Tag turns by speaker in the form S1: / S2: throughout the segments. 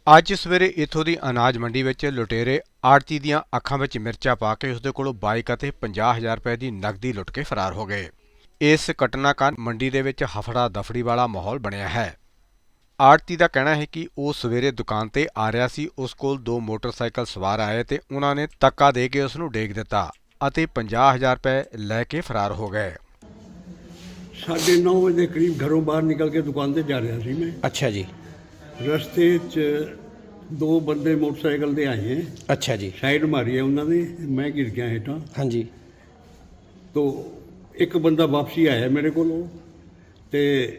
S1: ਅੱਜ ਸਵੇਰੇ ਇੱਥੋਂ ਦੀ ਅਨਾਜ ਮੰਡੀ ਵਿੱਚ ਲੁਟੇਰੇ ਆੜ੍ਹਤੀ ਦੀਆਂ ਅੱਖਾਂ ਵਿੱਚ ਮਿਰਚਾਂ ਪਾ ਕੇ ਉਸਦੇ ਕੋਲੋਂ ਬਾਈਕ ਅਤੇ 50,000 ਰੁਪਏ ਦੀ ਨਕਦੀ ਲੁੱਟ ਕੇ ਫਰਾਰ ਹੋ ਗਏ। ਇਸ ਘਟਨਾ ਕਾਰਨ ਮੰਡੀ ਦੇ ਵਿੱਚ ਹਫੜਾ ਦਫੜੀ ਵਾਲਾ ਮਾਹੌਲ ਬਣਿਆ ਹੈ। ਆੜ੍ਹਤੀ ਦਾ ਕਹਿਣਾ ਹੈ ਕਿ ਉਹ ਸਵੇਰੇ ਦੁਕਾਨ ਤੇ ਆ ਰਿਹਾ ਸੀ। ਉਸ ਕੋਲ ਦੋ ਮੋਟਰਸਾਈਕਲ ਸਵਾਰ ਆਏ ਤੇ ਉਹਨਾਂ ਨੇ ਧੱਕਾ ਦੇ ਕੇ ਉਸ ਨੂੰ ਡੇਗ ਦਿੱਤਾ ਅਤੇ 50,000 ਰੁਪਏ ਲੈ ਕੇ ਫਰਾਰ ਹੋ ਗਏ।
S2: 9:30 ਵਜੇ ਦੇ ਕਰੀਬ ਘਰੋਂ ਬਾਹਰ ਨਿਕਲ ਕੇ ਦੁਕਾਨ ਤੇ ਜਾ ਰਿਹਾ ਸੀ ਮੈਂ।
S3: अच्छा जी।
S2: ਰਸਤੇ 'ਚ ਦੋ ਬੰਦੇ ਮੋਟਰਸਾਈਕਲ ਤੇ ਆਏ ਹੈ।
S3: अच्छा जी।
S2: ਸਾਈਡ ਮਾਰੀ ਹੈ ਉਹਨਾਂ ਨੇ, ਮੈਂ ਗਿਰ ਗਿਆ ਹੇਠਾਂ।
S3: हाँ जी।
S2: ਤੋ ਇੱਕ ਬੰਦਾ ਵਾਪਸੀ ਆਇਆ ਮੇਰੇ ਕੋਲੋਂ ਤੇ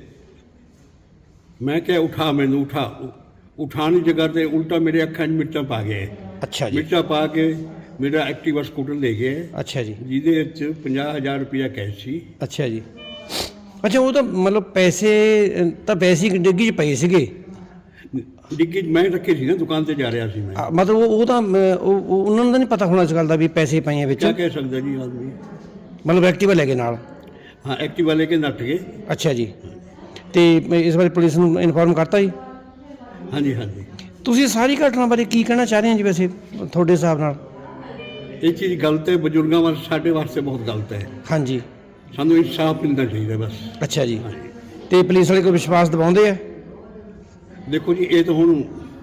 S2: ਮੈਂ ਕਿਹਾ ਉਠਾ ਮੈਨੂੰ ਉਠਾਉਣ ਦੀ ਜਗ੍ਹਾ ਤੇ ਉਲਟਾ ਮੇਰੇ ਅੱਖਾਂ 'ਚ ਮਿਰਚਾਂ ਪਾ ਗਏ।
S3: अच्छा जी।
S2: ਮਿਰਚਾਂ ਪਾ ਕੇ ਮੇਰਾ ਐਕਟਿਵਾ ਸਕੂਟਰ ਲੈ ਗਏ,
S3: अच्छा जी।
S2: ਜਿਹਦੇ ਵਿੱਚ 50,000 ਰੁਪਇਆ ਕੈਸ਼ ਸੀ।
S3: अच्छा जी। अच्छा वो तो मतलब पैसे ਤਾਂ ਵੈਸੇ ਹੀ ਡਿੱਗੀ 'ਚ ਪਏ ਸੀਗੇ।
S2: ਡਿੱਗੀ 'ਚ ਮੈਂ ਰੱਖੇ ਸੀ ਨਾ, ਦੁਕਾਨ ਤੇ ਜਾ ਰਿਹਾ ਸੀ ਮੈਂ।
S3: ਮਤਲਬ ਉਹ ਤਾਂ ਉਹਨਾਂ ਨੂੰ ਤਾਂ ਨਹੀਂ ਪਤਾ ਹੋਣਾ ਇਸ ਗੱਲ ਦਾ ਵੀ ਪੈਸੇ ਪਏ ਆ ਵਿੱਚ।
S2: ਕਿਆ ਕਹਿ ਸਕਦਾ ਜੀ ਆਦਮੀ।
S3: ਮਤਲਬ ਐਕਟਿਵਾ ਲੈ ਕੇ ਨਾਲ।
S2: ਹਾਂ, ਐਕਟਿਵਾ ਲੈ ਕੇ ਨੱਠ ਗਏ।
S3: ਅੱਛਾ ਜੀ। ਤੇ ਇਸ ਬਾਰੇ ਪੁਲਿਸ ਨੂੰ ਇਨਫੋਰਮ ਕਰਤਾ ਜੀ?
S2: ਹਾਂਜੀ ਹਾਂਜੀ।
S3: ਤੁਸੀਂ ਸਾਰੀ ਘਟਨਾ ਬਾਰੇ ਕੀ ਕਹਿਣਾ ਚਾਹ ਰਹੇ ਹੋ ਜੀ ਵੈਸੇ ਤੁਹਾਡੇ ਹਿਸਾਬ ਨਾਲ?
S2: ਇਹ ਚੀਜ਼ ਗਲਤ ਹੈ, ਬਜ਼ੁਰਗਾਂ ਵਾਸਤੇ, ਸਾਡੇ ਵਾਸਤੇ ਬਹੁਤ ਗਲਤ ਹੈ।
S3: ਹਾਂਜੀ।
S2: ਸਾਨੂੰ ਇਨਸਾਫ ਮਿਲਣਾ ਚਾਹੀਦਾ ਬਸ।
S3: ਅੱਛਾ ਜੀ।
S2: ਹਾਂਜੀ।
S3: ਤੇ ਪੁਲਿਸ ਵਾਲੇ ਕੋਈ ਵਿਸ਼ਵਾਸ ਦਿਵਾਉਂਦੇ ਆ?
S2: ਦੇਖੋ ਜੀ, ਇਹ ਤਾਂ ਹੁਣ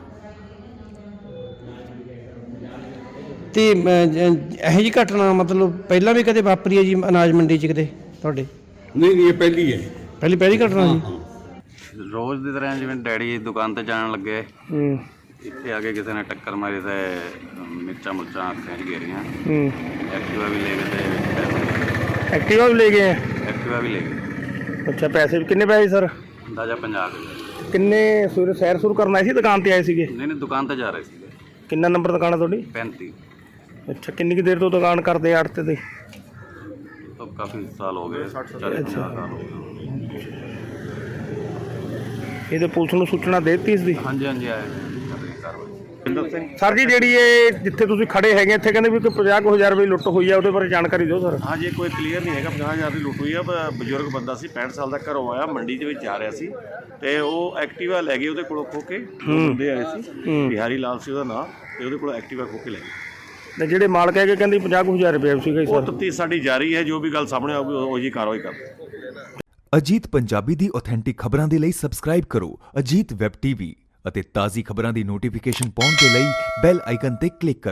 S3: ਤੇ ਇਹੋ ਜਿਹੀ ਘਟਨਾ ਮਤਲਬ ਪਹਿਲਾਂ ਵੀ ਕਦੇ ਵਾਪਰੀ ਹੈ ਜੀ ਅਨਾਜ ਮੰਡੀ 'ਚ ਕਿਤੇ ਤੁਹਾਡੇ?
S2: ਨਹੀਂ ਇਹ ਪਹਿਲੀ ਹੈ।
S3: ਪਹਿਲੀ ਘਟਨਾ ਜੀ?
S4: ਰੋਜ਼ ਦੀ ਤਰ੍ਹਾਂ ਜਿਵੇਂ ਡੈਡੀ ਦੁਕਾਨ ਤੇ ਜਾਣ ਲੱਗੇ, ਇੱਥੇ ਆ ਕੇ ਕਿਸੇ ਨੇ ਟੱਕਰ ਮਾਰੀ ਤੇ ਮਿਰਚਾਂ ਮੁਰਚਾਂ ਅੱਖਾਂ 'ਚ ਗੇਰੀਆਂ। ਐਕਟਿਵਾ ਵੀ ਲੈ ਗਏ ਤੇ
S5: ਐਕਟਿਵਾ ਵੀ ਲੈ ਗਏ ਆ?
S4: ਐਕਟਿਵਾ ਵੀ ਲੈ ਗਏ।
S5: ਅੱਛਾ, ਪੈਸੇ ਕਿੰਨੇ ਪੈਸੇ ਸਰ?
S4: ਅੰਦਾਜ਼ਾ 50,000।
S5: ਕਿੰਨੇ ਸਵੇਰੇ ਸੈਰ ਸੁਰ ਕਰਨ ਆਏ ਸੀ, ਦੁਕਾਨ ਤੇ ਆਏ ਸੀਗੇ?
S4: ਨਹੀਂ ਦੁਕਾਨ ਤੇ ਜਾ ਰਹੇ ਸੀਗੇ।
S5: ਕਿੰਨਾ ਨੰਬਰ ਦੁਕਾਨ ਆ ਤੁਹਾਡੀ?
S4: 35।
S5: ਅੱਛਾ, ਕਿੰਨੀ ਕੁ ਦੇਰ ਤੋਂ ਦੁਕਾਨ ਕਰਦੇ ਆੜਤੇ ਤੇ?
S4: ਤਾਂ ਕਾਫੀ ਸਾਲ ਹੋ ਗਏ, 40-50 ਸਾਲ ਹੋ ਗਏ।
S5: ਇਹਦੇ ਪੁਲਿਸ ਨੂੰ ਸੂਚਨਾ ਦੇ ਦਿੱਤੀ ਇਸ ਦੀ?
S4: ਹਾਂਜੀ ਆਏ ਕਰ ਰਹੇ ਕਾਰਵਾਈ।
S5: ਸਰ ਜੀ, ਜਿਹੜੀ ਇਹ ਜਿੱਥੇ ਤੁਸੀਂ ਖੜੇ ਹੈਗੇ ਇੱਥੇ ਕਹਿੰਦੇ ਵੀ ਕੋਈ 50,000 ਰੁਪਏ ਲੁੱਟ ਹੋਈ ਆ, ਉਹਦੇ ਬਾਰੇ ਜਾਣਕਾਰੀ ਦਿਓ ਸਰ।
S6: ਹਾਂਜੀ, ਕੋਈ ਕਲੀਅਰ ਨਹੀਂ ਹੈਗਾ। 50,000 ਦੀ ਲੁੱਟ ਹੋਈ ਆ। ਬਜ਼ੁਰਗ ਬੰਦਾ ਸੀ, 65 ਸਾਲ ਦਾ, ਘਰੋਂ ਆਇਆ, ਮੰਡੀ ਦੇ ਵਿੱਚ ਜਾ ਰਿਹਾ ਸੀ ਤੇ ਉਹ ਐਕਟਿਵਾ ਲੈ ਗਏ ਉਹਦੇ ਕੋਲੋਂ ਖੋ ਕੇ। ਦੋ ਬੰਦੇ ਆਏ ਸੀ, ਬਿਹਾਰੀ ਲਾਲ ਸੀ ਉਹਦਾ ਨਾਂ, ਤੇ ਉਹਦੇ ਕੋਲੋਂ ਐਕਟਿਵਾ ਖੋ ਕੇ ਲੈ ਗਏ।
S5: ਤੇ ਜਿਹੜੇ ਮਾਲਕ ਹੈਗੇ ਕਹਿੰਦੇ 50,000 ਰੁਪਏ ਸੀਗਾ
S6: ਉਹ
S5: ਸਰ।
S6: ਤਫਤੀਸ਼ ਸਾਡੀ ਜਾਰੀ ਹੈ, ਜੋ ਵੀ ਗੱਲ ਸਾਹਮਣੇ ਆਊਗੀ ਉਹ ਜੀ ਕਾਰਵਾਈ ਕਰ।
S7: ਅਜੀਤ ਪੰਜਾਬੀ ਦੀ ਆਥੈਂਟਿਕ ਖਬਰਾਂ ਦੇ ਲਈ ਸਬਸਕ੍ਰਾਈਬ ਕਰੋ ਅਜੀਤ ਵੈਬ ਟੀਵੀ ਅਤੇ ਤਾਜ਼ੀ ਖਬਰਾਂ ਦੀ ਨੋਟੀਫਿਕੇਸ਼ਨ ਪਾਉਣ ਦੇ ਲਈ ਬੈਲ ਆਈਕਨ ਤੇ ਕਲਿੱਕ ਕਰੋ।